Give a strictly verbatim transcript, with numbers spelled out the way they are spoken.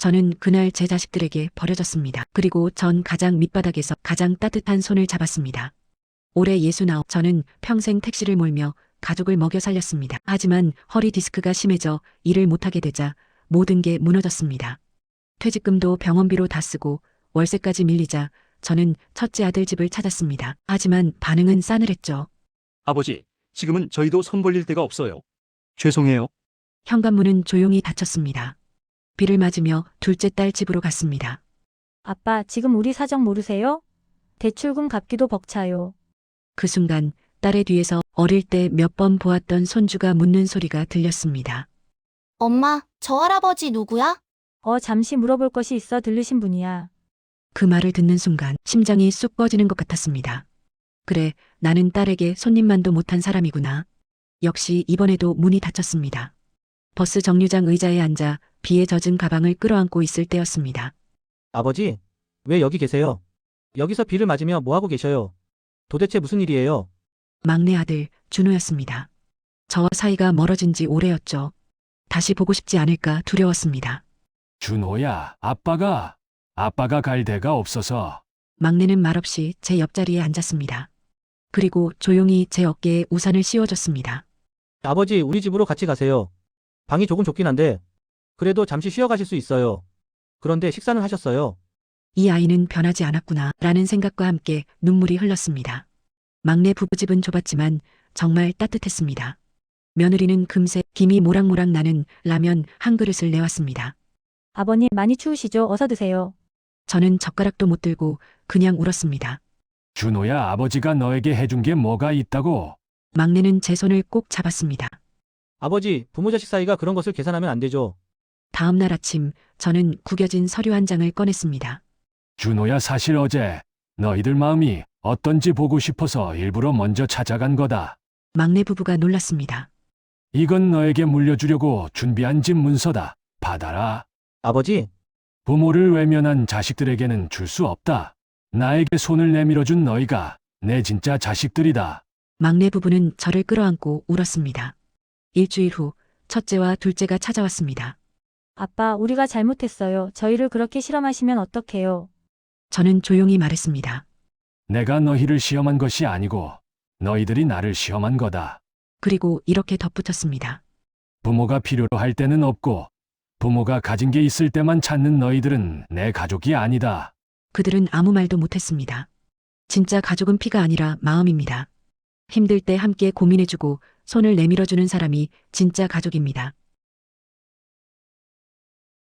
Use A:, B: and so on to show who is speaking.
A: 저는 그날 제 자식들에게 버려졌습니다. 그리고 전 가장 밑바닥에서 가장 따뜻한 손을 잡았습니다. 올해 예순아홉, 저는 평생 택시를 몰며 가족을 먹여 살렸습니다. 하지만 허리 디스크가 심해져 일을 못하게 되자 모든 게 무너졌습니다. 퇴직금도 병원비로 다 쓰고 월세까지 밀리자 저는 첫째 아들 집을 찾았습니다. 하지만 반응은 싸늘했죠.
B: 아버지, 지금은 저희도 손 벌릴 데가 없어요. 죄송해요.
A: 현관문은 조용히 닫혔습니다. 비를 맞으며 둘째 딸 집으로 갔습니다.
C: 아빠, 지금 우리 사정 모르세요? 대출금 갚기도 벅차요.
A: 그 순간 딸의 뒤에서 어릴 때 몇 번 보았던 손주가 묻는 소리가 들렸습니다.
D: 엄마, 저 할아버지 누구야?
C: 어, 잠시 물어볼 것이 있어 들르신 분이야.
A: 그 말을 듣는 순간 심장이 쑥 꺼지는 것 같았습니다. 그래, 나는 딸에게 손님만도 못한 사람이구나. 역시 이번에도 문이 닫혔습니다. 버스 정류장 의자에 앉아 비에 젖은 가방을 끌어안고 있을 때였습니다.
E: 아버지, 왜 여기 계세요? 여기서 비를 맞으며 뭐하고 계셔요? 도대체 무슨 일이에요?
A: 막내 아들 준호였습니다. 저와 사이가 멀어진 지 오래였죠. 다시 보고 싶지 않을까 두려웠습니다.
F: 준호야, 아빠가, 아빠가 갈 데가 없어서.
A: 막내는 말없이 제 옆자리에 앉았습니다. 그리고 조용히 제 어깨에 우산을 씌워줬습니다.
E: 아버지, 우리 집으로 같이 가세요. 방이 조금 좁긴 한데, 그래도 잠시 쉬어 가실 수 있어요. 그런데 식사는 하셨어요?
A: 이 아이는 변하지 않았구나 라는 생각과 함께 눈물이 흘렀습니다. 막내 부부집은 좁았지만 정말 따뜻했습니다. 며느리는 금세 김이 모락모락 나는 라면 한 그릇을 내왔습니다.
C: 아버님 많이 추우시죠? 어서 드세요.
A: 저는 젓가락도 못 들고 그냥 울었습니다.
F: 준호야, 아버지가 너에게 해준 게 뭐가 있다고?
A: 막내는 제 손을 꼭 잡았습니다.
E: 아버지, 부모 자식 사이가 그런 것을 계산하면 안 되죠.
A: 다음 날 아침 저는 구겨진 서류 한 장을 꺼냈습니다.
F: 준호야, 사실 어제 너희들 마음이 어떤지 보고 싶어서 일부러 먼저 찾아간 거다.
A: 막내 부부가 놀랐습니다.
F: 이건 너에게 물려주려고 준비한 집 문서다. 받아라.
E: 아버지,
F: 부모를 외면한 자식들에게는 줄 수 없다. 나에게 손을 내밀어준 너희가 내 진짜 자식들이다.
A: 막내 부부는 저를 끌어안고 울었습니다. 일주일 후 첫째와 둘째가 찾아왔습니다.
C: 아빠, 우리가 잘못했어요. 저희를 그렇게 실험하시면 어떡해요?
A: 저는 조용히 말했습니다.
F: 내가 너희를 시험한 것이 아니고 너희들이 나를 시험한 거다.
A: 그리고 이렇게 덧붙였습니다.
F: 부모가 필요로 할 때는 없고 부모가 가진 게 있을 때만 찾는 너희들은 내 가족이 아니다.
A: 그들은 아무 말도 못했습니다. 진짜 가족은 피가 아니라 마음입니다. 힘들 때 함께 고민해주고 손을 내밀어주는 사람이 진짜 가족입니다.